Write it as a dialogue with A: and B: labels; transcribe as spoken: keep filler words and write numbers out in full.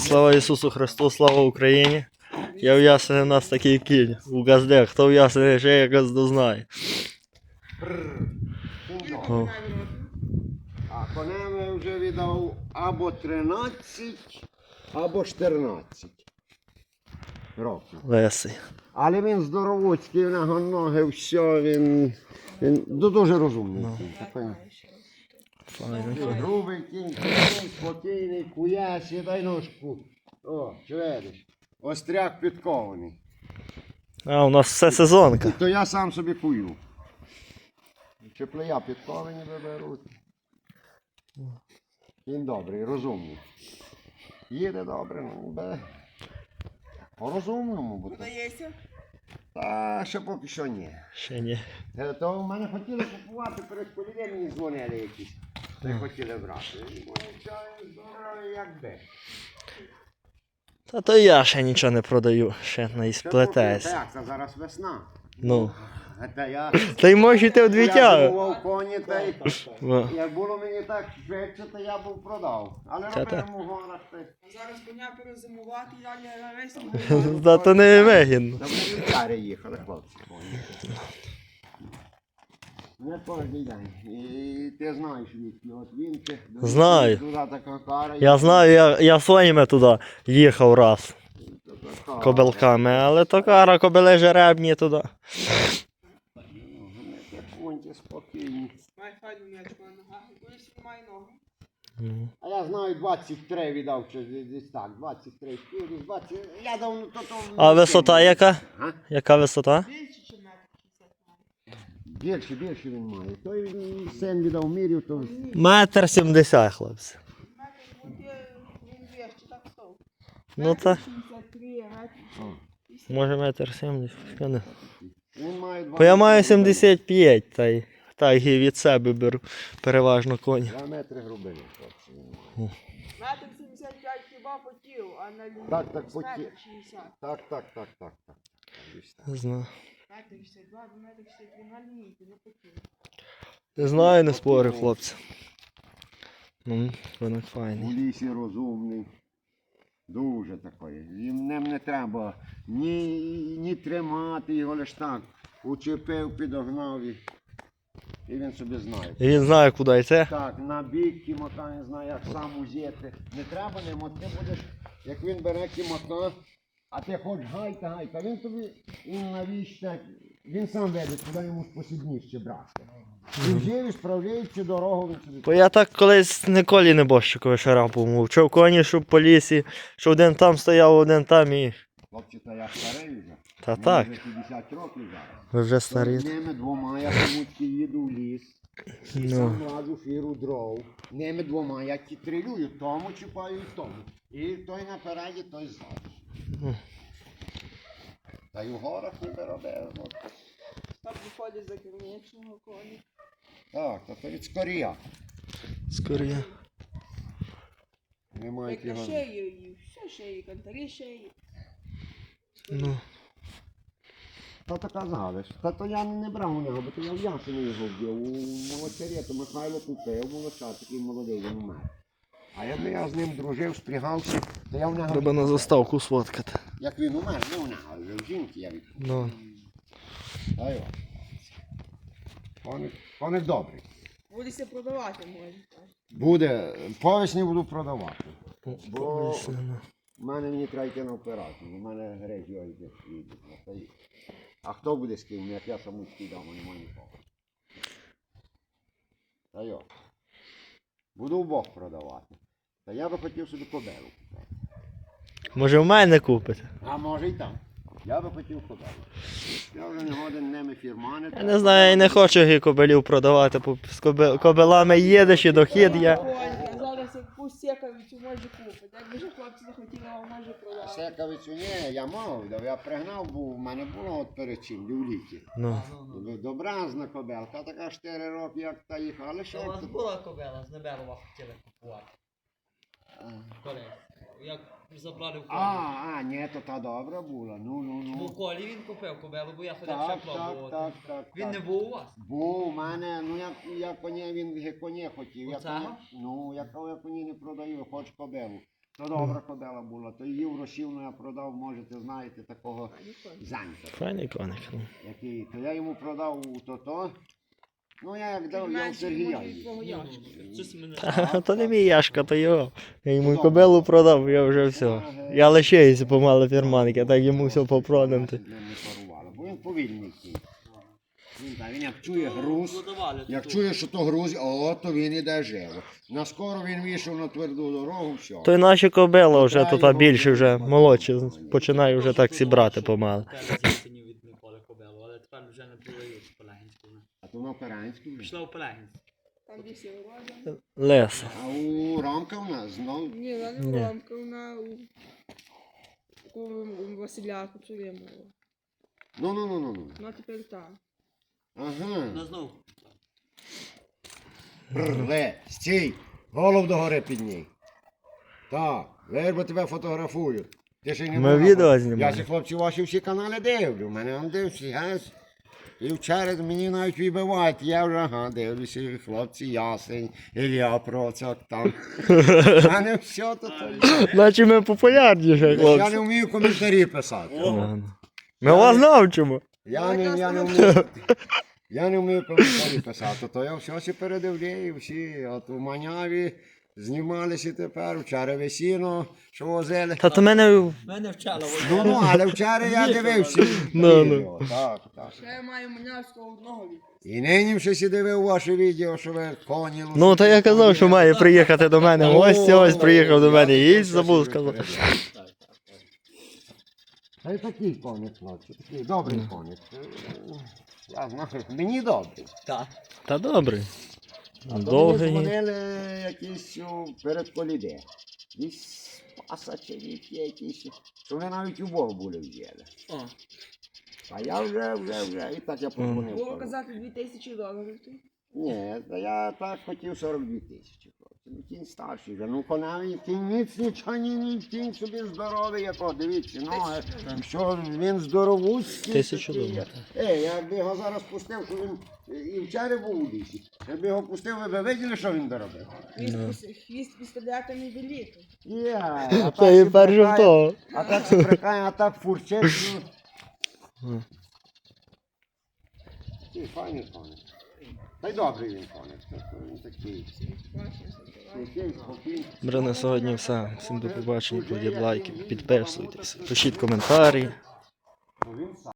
A: Слава Ісусу Христу, слава Україні. Я в Ясені, у нас такий кінь у газде. Хто в Ясені ще я газду знає. О.
B: А конем вже віддав або тринадцять, або чотирнадцять років.
A: Лесий.
B: Але він здоровуцький, в нього ноги, все, він, він дуже розумний.
A: Ну.
B: Кінь, такий.
A: Файний
B: Такий
A: кінь.
B: грубий кінь, такий спокійний, куясі, дай ножку. О, чуєш? Остряк підкований.
A: А, у нас все сезонка.
B: То я сам собі кую. Чеплея підковані виберуть. Він добрий, розумний. Їде добре, ну бе. По-розумному буде.
C: Продається?
B: Та ще поки що ні.
A: Ще ні.
B: Е, То в мене хотіли купувати, перед полів'ям мені дзвонили якісь. Та й хотіли брати. Ну, чаю, здорово, як де.
A: Та то я ще нічого не продаю, ще не
B: Ще
A: сплетаюсь.
B: поки- Так, це зараз весна.
A: Ну.
B: А Та я...
A: Та й можете
B: Я
A: вдвічаю.
B: бував коні, та й...
A: Во.
B: Як було мені так швидше, то я був продав. Але
A: Та-та.
B: робимо в горах та й...
C: А зараз коня перезимувати і далі на весну.
A: Та то не вигідно.
B: Та вони в карі їхали, хлопці. коні. Не кожен день. І ти знаєш відки. От він чи...
A: Знаю.
B: Туди така кара.
A: Я знаю, я, я своїми туди їхав раз.
B: Така.
A: Кобилками, але то кара кобили жеребні туди.
B: Тихонькі, спокійні.
C: Має файну м'ячку на ногах. Колись він має ногу.
A: Мгм.
B: А я знаю, двадцять три віддав, чи десь так, двадцять три, десь двадцять, я давно то то...
A: А висота яка?
B: А?
A: Яка висота?
C: Більше, чи метр шістдесят має.
B: Більше, більше він має. Той він син віддав мірів, то...
A: Метр сімдесят, хлопці.
C: Метр, ну, ти, він вище, так стов.
A: Ну та,
C: шістдесят три, метр.
B: О,
A: може метр сімдесят. Я не-
B: Він має
A: Бо я маю
B: двадцять
A: сімдесят п'ять, та й так і від себе беру переважно коні.
B: Два метри грубини, хлопці, він має.
C: Метр сімдесят п'ять хіба потів, а на лінії
B: Так, так,
C: десь
B: потів.
C: метр шістдесят.
B: Так, так, так, так, так. Десь так.
A: Не знаю.
C: Метр шістдесят два, до метр шістдесят три на лінійці, не потів.
A: Не знаю, не спорю, хлопці. Ну, виник
B: У
A: файний.
B: лісі розумний. Дуже такий. Їм ним не треба ні, ні тримати його лиш так. Учепив, підогнав і, і він собі знає.
A: І він знає, куди йти.
B: Так, на бік кімака не знає, як сам узяти. Не треба ним, от ти будеш, як він бере кімака, а ти хоч гайка, гайка, він тобі, він навіщо, він сам веде, куди йому посідніше брати. Він живі, справляється дорогу, він собі.
A: Бо я так колись ніколи не борщиковий шарапу мовчав коні, щоб по лісі, що один там стояв, один там і...
B: Хлопці, та я старий вже.
A: Та
B: Мені
A: так,
B: вже п'ятдесят років зараз.
A: ви вже старі.
B: З ними двома я комусь їду в ліс. І
A: Ну.
B: сам ладу фіру дров. Ними двома я трилюю, тому чіпаю і тому. І той напереді, той ззаду.
A: Ну.
B: Та й у горах не робив. от.
C: Так виходить за кермічного коні.
B: Так, та то від скорія.
A: Скоріше.
B: Немає
C: Як на
B: його.
C: шею, і все шиї, кантарі шиї.
A: Ну.
B: Та то казали, що- та то я не брав у нього, бо то я в ясені його вбив. У молочарі, то Михайло купив, молоча, такий молодий, він умер. А якби я з ним дружив, спрягався, то я в нього...
A: Треба на заставку сфоткати.
B: Як він умер, не у нього, але в жінки я відкупив.
A: Ну.
B: Та й от. Коник, коник добрий.
C: Будеться продавати, може.
B: Буде, по весні буду продавати. Бо
A: Ось, ну.
B: в мене мені треба йти на операцію, у мене греч його йде. Та й- А хто буде з ким, як я саму скидав, немає нікого. Та йо. Буду вбок продавати. Та я би хотів собі кобелу купити.
A: Може в мене купите?
B: А може й там. Я би хотів кобелу. Я вже не годен ними фірманити.
A: Я не знаю, я не хочу гі кобилів продавати, бо з коби- кобилами їдеш і дохід є.
C: Коні, а зараз якусь сікавицю може купити. Якби ж хлопці захотіли, а може продати.
B: Секавицю ні, я мав, да, я пригнав, бо в мене було от перед чим, в літі.
A: Ну.
B: Добразна кобелка, така чотири роки, як та їхала, але ще
D: У
B: як
D: вас
B: то-
D: була кобила, з Небелова хотіли купувати. Колись. Як забрали в
B: А,
D: колі.
B: а, ні, то та добра була, ну, ну,
D: Ну,
B: ну.
D: в колі він купив кобилу, бо я ходив
B: Так,
D: ще
B: так,
D: пробувати.
B: так, так.
D: Він
B: так.
D: не був у вас?
B: Був у мене, ну я, я коні, він ге- коні хотів. Я
D: Оцього?
B: коні, ну, я, я коні не продаю, хоч кобелу. То добра кобила була, то її в Росівну я продав, можете знаєте, такого занька.
A: Файний коник. ну.
B: Який, то я йому продав у то-то. Ну я як дав, я у
C: Менше,
B: Сергія.
C: може, від твого
B: їв.
C: Яшки.
D: Щось мене.
A: Ха, то не мій Яшка, то його. Я йому й кобилу продав, я вже все. Я лишаюся помало фірманки, а так йому все попродам.
B: Наші з ним не парували, бо він повільний кінь. Він, так, він як чує груз,
D: Продавали
B: як
D: тут.
B: чує, що то груз, о, то він іде живо. Наскоро він вийшов на тверду дорогу, все.
A: То й наші кобила вже тут а більше вже молодші, починаю вже так зібрати помало.
D: Тепер з осені відмикали кобилу, але тепер вже не продають в Пелегінську.
B: А то на Операнську вже.
D: Пішла в Пелегінську.
C: Там де всі вивозили.
A: Лес.
B: А у Ромка в нас знов.
C: Ні, вона не
A: Ні.
C: у Ромка, вона у... у у Василя Кучерємова.
B: Ну, ну, ну, ну, ну.
C: Вона тепер там.
B: Ага.
D: Ну знов.
B: Ле, стій, голов догори підній. Так, вербо тебе фотографують. Ти ще й не
A: Ми
B: була
A: відео
B: фото-
A: знімаємо.
B: Я ці хлопці ваші всі канали дивлю. Мене он дився, газ. І вчора мені навіть вибивають, я вже ага, дивлюся, і хлопці ясень, Ілля Процяк там. А не все то то.
A: Наче ми популярніші,
B: Я
A: хлопці.
B: не вмію коментарі писати.
A: Ми вас навчимо.
B: Я не, я не вмію. Я не вмію коментарі писати, то я все всі передивляю, всі, от у Маняві знімалися тепер, вчора весіно, що возили.
A: Та то мене
D: Мене вчала.
B: Ну, ну, але вчора я дивився.
A: Ну, ну.
B: відео, Так, так.
C: Ще я маю Манявського одного віку.
B: І нині ще сі дивив ваше відео, що ви коні лошаді.
A: Ну, та я казав, що має приїхати до мене. Ось ось приїхав до мене. І забув сказати.
B: Та й такий коник, хлопці, такий добрий коник. Я знаю, мені добрий.
D: Так.
A: Та добре.
B: А то мені
A: Довгий.
B: дзвонили якісь о, перед коліде. Якісь пасачевіки якісь, що вони навіть у Бог були взяли.
D: О.
B: А я вже, вже, вже, і так я подзвонив.
C: Було
B: кажу,
C: казати дві тисячі доларів. ти.
B: Ні, та я так хотів сорок дві тисячі. хлопці. Ну, кінь старший вже, ну конаві, кінь ніц нічого, ні, ні, кінь собі здоровий, якого, дивіться, ноги, що він здоровуцький.
A: Тисячу
B: такий.
A: доларів.
B: Ей, я б його зараз пустив, що він і вчора був у лісі. Якби його пустив, ви б виділи, що він доробив?
C: Хвіст, піс- хвіст пістолета не великий.
B: Є, а
A: Це
B: так
A: і
B: сі
A: перше
B: брехає,
A: того.
B: А так се брехає, а так фурчить. Ну. Такий файний коник. Та й добрий він коник. тобто Він такий. Такий, спокійний.
A: Добре, на сьогодні все. Всім до побачення, кладіть лайки, підписуйтесь, пишіть коментарі.
B: Ну, він сам.